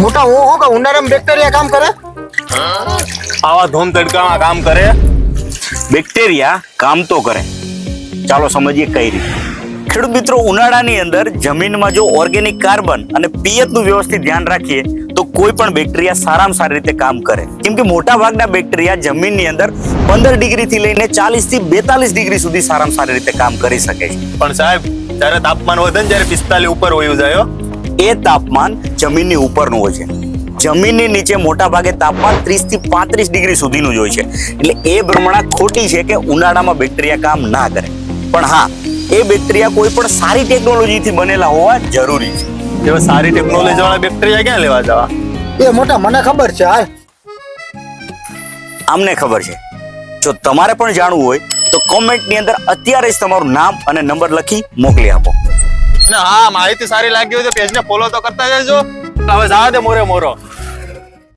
મોટા હું કે ઉનાળામાં બેક્ટેરિયા કામ કરે? આવા ધૂમ તડકામાં કામ કરે? બેક્ટેરિયા કામ તો કરે, ચાલો સમજીએ કઈ રીતે. ખેડૂત મિત્રો, ઉનાળાની અંદર જમીનમાં જો ઓર્ગેનિક કાર્બન અને પિયતનું વ્યવસ્થિત ધ્યાન રાખીએ તો કોઈ પણ બેક્ટેરિયા સારામાં સારી રીતે કામ કરે. કેમ કે મોટા ભાગના બેક્ટેરિયા જમીનની અંદર 15 ડિગ્રીથી લઈને 40 થી 42 ડિગ્રી સુધી સારામાં સારી રીતે કામ કરી શકે છે. પણ સાહેબ, જ્યારે તાપમાન વધે ને ત્યારે 45 ઉપર વયું જાય. એ તાપમાન જમીનની ઉપરનું હોય છે. જમીનની નીચે મોટા ભાગે તાપમાન 30 થી 35 ડિગ્રી સુધીનું જ હોય છે. એટલે એ ભ્રમણા ખોટી છે કે ઉનાળામાં બેક્ટેરિયા કામ ના કરે. પણ હા, એ બેક્ટેરિયા કોઈ પણ સારી ટેકનોલોજીથી બનેલા હોવા જરૂરી છે. એવા સારી ટેકનોલોજી વાળા બેક્ટેરિયા ક્યાં લેવા જવા? એ મોટા મને ખબર છે. હાલ આમને ખબર છે. જો તમારે પણ જાણવું હોય તો કોમેન્ટની અંદર અત્યારે જ તમારું નામ અને નંબર લખી મોકલી આપો. અને હા, માહિતી સારી લાગી હોય તો પેજને ફોલો તો કરતા જજો. હવે જવા દે મોરે મોરો.